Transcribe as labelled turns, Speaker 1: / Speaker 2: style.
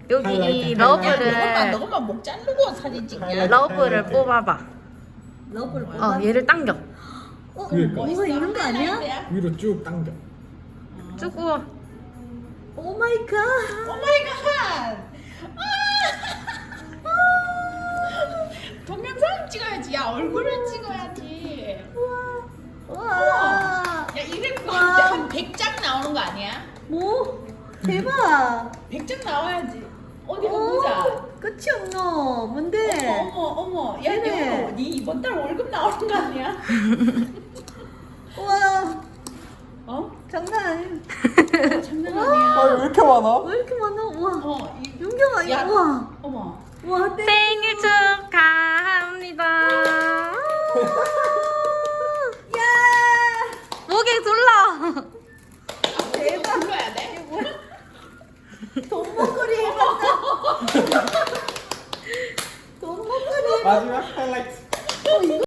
Speaker 1: 여기 이
Speaker 2: 하이라이트,
Speaker 1: 러브를
Speaker 3: 너것만 목 자르고 사진 찍냐?
Speaker 1: 러브를 뽑아봐.
Speaker 4: 러브를 뽑아.
Speaker 1: 얘를 당겨.
Speaker 2: 그러니까.
Speaker 4: 이거 이런 거 아니야?
Speaker 2: 위로 쭉 당겨.
Speaker 1: 쭉 우와.
Speaker 4: 오 마이 갓.
Speaker 3: 오 마이 갓! 동영상 찍어야지. 야, 얼굴을 찍어야지.
Speaker 4: 와.
Speaker 3: 야, 이럴 거
Speaker 4: 와.
Speaker 3: 한 100장 나오는 거 아니야?
Speaker 4: 뭐? 대박.
Speaker 3: 100장 나와야지. 어디 한번 보자.
Speaker 4: 끝이 없노. 뭔데?
Speaker 3: 어머. 야,
Speaker 4: 네네.
Speaker 3: 너, 네 이번 달 월급 나오는 거 아니야?
Speaker 4: 우와.
Speaker 3: 어?
Speaker 4: 장난 아니야.
Speaker 3: 장난
Speaker 4: 와.
Speaker 3: 아니야.
Speaker 2: 왜 이렇게 많아?
Speaker 4: 왜 이렇게 많아? 우와.
Speaker 3: 이-
Speaker 4: 윤경아,
Speaker 3: 야.
Speaker 4: 우와.
Speaker 3: 어머.
Speaker 4: 우와, 땡.
Speaker 1: 생일 축하합니다.
Speaker 4: 야.
Speaker 1: 목에 둘러.
Speaker 3: 대박. 불러야 돼?
Speaker 4: 돈 목걸이 해봤다. 돈 목걸이 해봤다.
Speaker 2: 마지막 하이라이트.